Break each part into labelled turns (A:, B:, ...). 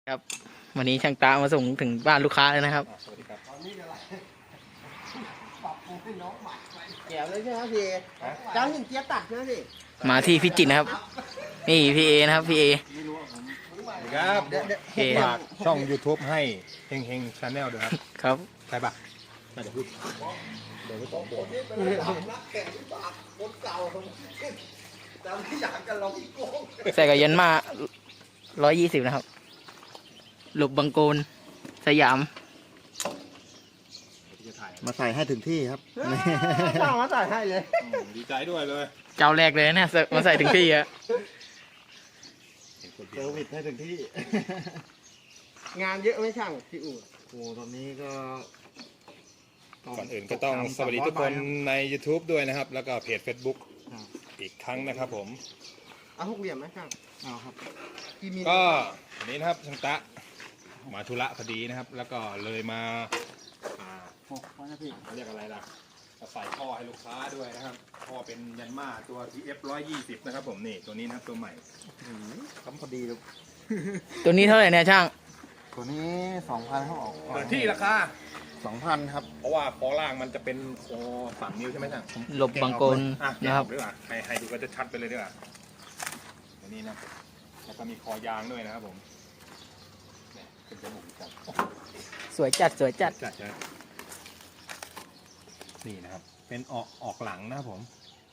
A: ครับวันนี้ช่างตามาส่งถึงบ้านลูกค้าเลยนะครับ
B: สวัสดีครับ
C: ตอนนี้อะไรปรับปรุงให้น้องใหม่ไปแก้วเลยใช่ไหมพี่เจ้าหนึ่งเจี๊ยบตัดใช่ไหมพี่
A: มาที่พิจิตรนะครับนี่พี่เอนะครับพี่เอ
B: ครับฝากช่อง YouTube ให้เฮงเฮงชาแนลด้วยครับ
A: ครับ
B: ใช่ปะไม่ได้พูดเดี๋ยวไม่ต้องบอก
C: นักแข่งที่ปากคนเก่าจำที่อยากกันเราที่โกง
A: ใส่กับยันมา120นะครับหลบบังโกนสยาม
C: มาใส่ให้ถึงที่ครับจ้างมาใส่ให้เลย
B: ดีใจด้วยเลย
A: เจ้าแรกเลยเนี่ยมาใส่ถึงที่อะ
C: เซอร์วิสให้ถึงที่งานเยอะไม่ช่างพี่อู๋โอ้ตอนนี้ก็
B: ก่อนอื่นก็ต้องสวัสดีทุกคนใน YouTube ด้วยนะครับแล้วก็เพจ Facebook อีกครั้งนะครับผม
C: เอา6 เหลี่ยมไหมช่างเอาครับ
B: ก็วันนี้นะครับช่างตะมาธุระพอดีนะครับแล้วก็เลยมาเรียกอะไรล่ะใส่ท่อให้ลูกค้าด้วยนะครับท่อเป็นยันมาตัว TF 120นะครับผมนี่ตัวนี้นะครับตัวใหม่
C: ทำพอดีเลย
A: ตัวนี้เท่าไหร่เนี่ยช่าง
C: ตัวนี้ 2,000เขาออก
B: เปิดที่ราคา
C: 2,000 ครับ
B: เพราะว่าคอล่างมันจะเป็นคอ3 นิ้วใช่ไหมท่าน
A: หลบบังโกนนะครับ
B: ดีกว่าให้ดูก็จะชัดไปเลยดีกว่าตัวนี้นะแล้วก็มีคอยางด้วยนะครับผมเนี่ยเป็นจมูกจัด
A: สวยจัดสวยจัด
B: นี่นะครับเป็นออกหลังนะครับผม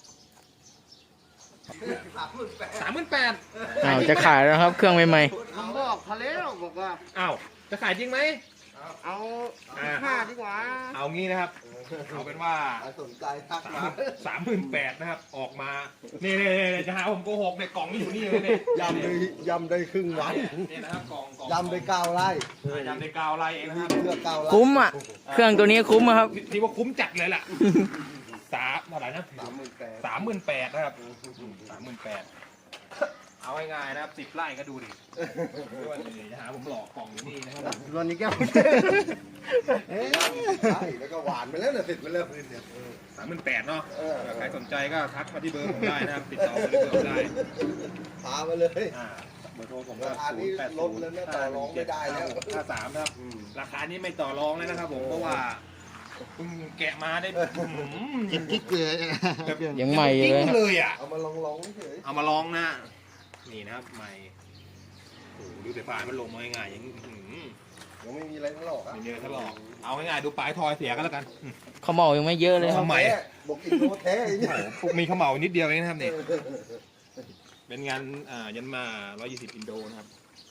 B: 38,000
A: อ้าวจะขายแล้วครับเครื่องใหม่
C: ผมบอกทะเลบอกว่า
B: อ้าวจะขายจริงไหม
C: เอา5ดีกว่า
B: เอางี้นะครับเอาเป็นว่า
C: สนใจทักมา
B: 38,000นะครับออกมานี่จะหาผมโกหกเนี่ยกล่องนี่อยู่นี่เลยเนี่ย
C: ยำได้ครึ่งวัน
B: นี่นะครับกล่อง
C: ยำได้9 ไร่
B: ยำได้9 ไร่เองนะครับ
C: เพื่อ9 ไร่
A: คุ้มอ่ะเครื่องตัวนี้คุ้มครับ
B: ที่ว่าคุ้มจัดเลยล่ะเท่าไหร่นะ38,000นะครับ38,000เอาง่ายๆนะครับ10 ไร่ก็ดูดิจะหาผมหลอกกล่องอยู่นี่นะครับ
C: วันนี้แก้วแล้วก็หวานไปแล้วเนี่ยติดไปแล้วพื้นเนี่ย
B: 38,000เนาะใครสนใจก็ทักมาที่เบอร์ผมได้นะครับติดต่อมาที่เบอร์ผมได้
C: พามาเลย
B: เบอร์โทรผมก็
C: ลดแล้วต่อรองไม่ได้แล้ว
B: 53นะครับราคานี้ไม่ต่อรองเลยนะครับผมเพราะว่าเพิ่งแกะมาได้
C: กิ๊กเลย
A: ยังใหม่
B: เลยอ่ะ
C: เอามาลองเฉย
B: เอามาลองนะนี่นะครับใหม่โอ้ดูแต่ปลายมันลงมาง่ายอย่าง
C: ยังไม่มีอะไรทะเลาะ
B: ไม่มีอะไรทะเลาะเอาง่ายๆดูปลายทอยเสียกันแล้วกัน
A: เขาเมายังไม่เยอะเลย
B: ครับใหม่
C: บอกกินโน้ตแท้
B: มีเขาเมานิดเดียวเองนะครับนี่เป็นงานยันมา120อินโดนะครับ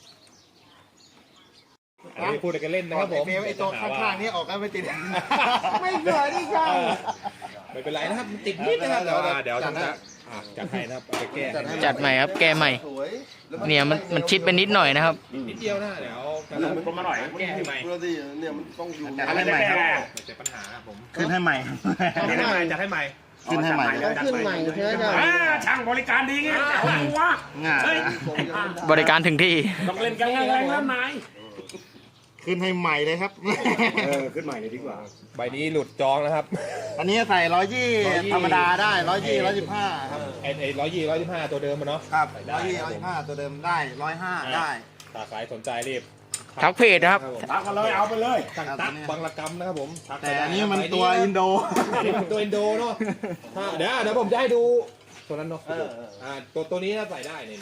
B: อันนี้พูดกันเล่นนะครับผม
C: ไอ้ตัวข้างๆนี้ออกกันไม่ติดไม่เหนื่อยดิช่าง
B: ไม่เป็นไรนะครับติดนิดนะครับเดี๋ยวจัดให้นะครับไปแก้
A: จัดใหม่ครับแก้ใหม่เนี่ยมันชิดไปนิดหน่อยนะครับ
B: นิดเดียวนะเดี๋ยวผมมาหน่อยแก้ให้ใหม่
C: เนี่ยมันต้องอยู่
B: จัดให้ใหม่ครับเจอปัญหาครับผม
C: ขึ้นให้ใหม่
B: จัดให้ใหม่
C: ขึ้นให้ใหม่ขึ้นใหม่ใช่ไหม
B: ช่างบริการดีไงวะ
A: บริการถึงที่
B: ต้องเล่นกันแรงๆแล้วนาย
C: ขึ้นให้ใหม่เลยครับ
B: ขึ้นใหม่เลยดีกว่าใบนี้หลุดจองนะครับ
C: อันนี้ใส่120ธรรมดาได้125ครับ
B: ไอ้125ตัวเดิมมันเนาะ
C: ครับ125ตัวเดิมได้105ได้
B: ถ้าใครสนใจรีบ
A: ทักเพจนะครับ
B: ทักมาเลยเอาไปเลยตักบางระกำนะครับผม
C: แต่อันนี้มันตัวอินโด
B: ตัวอินโดเนาะเดี๋ยวผมจะให้ดูตัวนั้นเนาะตัวนี้ใส่ได้นี่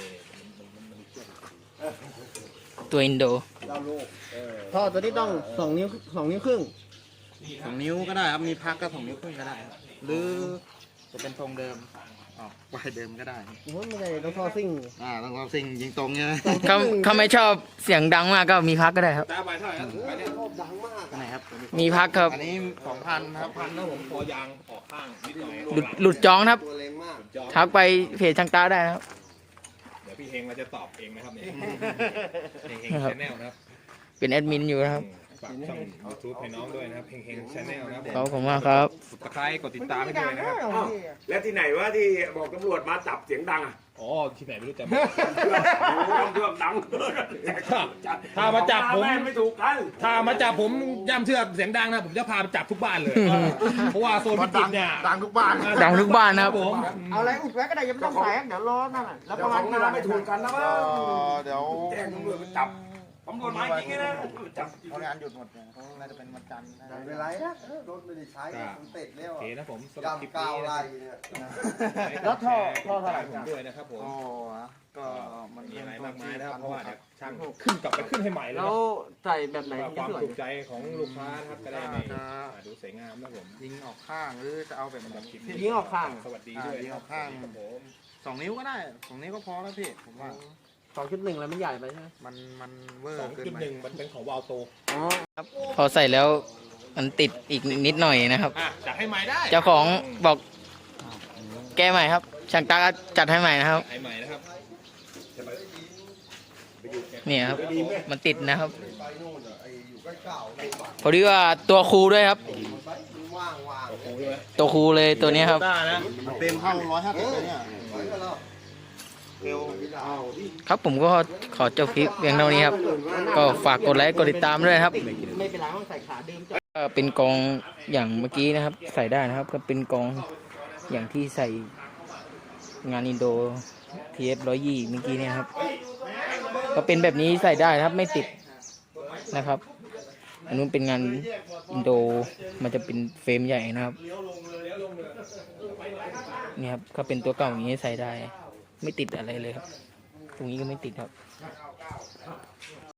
A: ตัวอินโด
C: ท่อตัวนี้ต้อง2 นิ้ว2 นิ้วครึ่ง2 นิ้วก็ได้ครับมีพักก็2 นิ้วครึ่งก็ได้หรือจะเป็นทรงเดิมวายเดิมก็ได้ไม่ได้ต้องท่อซิ่งต้องท่อซิ่งยิงตรงใช่ไหม
A: เขาไม่ชอบเสียงดังมากก็มีพักก็ได้ครับ
B: ตาใบเท่าไหร่ครับใบนี้
C: ชอบดังมาก
A: ไหนครับมีพักครับ
C: อันนี้2,000ครับ
B: 1,000นะผมคอยางออกข้างนิดหน่อย
A: หลุดจองครับทักไปเพจช่างตาได้ครับ
B: เดี๋ยวพี่เฮงเราจะตอบเองนะครับเนี่ยเฮงชาแนลนะครับ
A: เป็นแอดมินอยู่นะครับ
B: ฝากช่อง YouTube ให้น้องด้วยนะครับเฮงชาแนลนะครับ
A: ขอบคุณมากครับ
B: กดไลค์กดติดตามให้ด้วยนะครับ
D: แล้วที่ไหนวะที่บอกตำรวจมาจับเสียงดังอ่ะ
B: อ๋อที่ไหนไม่รู้จัก
D: เรื่องดัง
B: ถ้ามาจับผม
D: ไม่ถูกกัน
B: ถ้ามาจับผมย่ำเชือกเสียงดังนะผมจะพาไปจับทุกบ้านเลยเพราะว่าโซนพิจิตรเนี่ย
C: ดังทุกบ้าน
A: นะครับ
B: ผม
C: เอาอะไรอุดไว้ก็ได้ยังไม่ต้องใส่เดี๋ยวรอนั่นแหละแล้วประมาณ
D: ไม่ถูกกันนะว่า
C: เดี๋ยว
D: แจ้งตำรวจจับ
B: ตำรวจมาจริงๆนะจับ
C: เพราะงานหยุดหมดเนี่ยเขาน่าจะเป็นวันจันทร์นะ
E: ไม่เป็นไรนะรถไม่ได้ใช้มันติดแล้ว
B: โอเคนะผมสำหรับคลิป
E: ยำก้า
B: นี้
E: ว
B: นะ
E: ไล่
B: ครับ
E: เนี่ย
C: แล้วท่อเท่าไหร่
B: ผมด้วยนะครับผม
C: โอ้ก็มัน
B: มีอะไรมากมายนะครับเพราะว่าเดี๋ยวช่างขึ้นกลับไปขึ้นให้ใหม่เลย
C: แล้
B: นะ
C: วใส่แบบไหน
B: เพื่อ
C: ถึง
B: ความ
C: จะสวย
B: ถูกใจของลูกค้านะครับจะได้ไม่ดูสวยงามนะผม
C: ยิงออกข้างหรือจะเอาแบบไหน
B: คลิปนี้
C: ยิงออกข้าง
B: สวัสดีด้วย
C: ยิงออกข้าง
B: ครับผม
C: 2 นิ้วก็ได้2 นิ้วก็พอแล้วพี่ผมว่า
A: 2.1แล้วมันใหญ่ไปใช่ไหม
C: มันเวอร์
B: สอง
C: เกิน
B: จุด
C: ไป
B: หนึ่งมันเป็นของวาลโต
A: อ๋อครับพอใส่แล้วมันติดอีกนิดหน่อยนะครับ
B: จัดให้ใหม่ได้
A: เจ้าของบอกแก้ใหม่ครับช่างตาก็จัดให้ใหม่นะครับ
B: ให้ใหม่นะครับ
A: เนี่ยครับ มันติดนะครับ
E: ไปนู่นไอ้อยู่ใกล้เก่าในบ้าน
A: พอดีว่าตัวครูด้วยครับ
E: มันว่างๆ
B: โอ้โหด้วย
A: ตัวครูเลยตัวเนี้ยครับ
C: มันเต็มเข้า150เลยเนี่ย
E: ไปก็แล้ว
C: เร็ว
A: ครับผมก็ขอจบคลิปเพียงเท่านี้ครับ ก็ฝากกดไลค์กดติดตามด้วยครับ
C: ไม่เป็นไรต้องใส่ขาเดิม
A: ก็เป็นกองอย่างเมื่อกี้นะครับ ใส่ได้นะครับ ก็เป็นกองอย่างที่ใส่งานอินโด TF 120เมื่อกี้เนี่ยครับ ก็เป็นแบบนี้ใส่ได้นะครับไม่ติดนะครับ อันนู้นเป็นงานอินโดมันจะเป็นเฟรมใหญ่นะครับนี่ครับก็เป็นตัวเก่าอย่างนี้ใส่ได้ ไม่ติดอะไรเลยครับ ตรงนี้ก็ไม่ติดครับ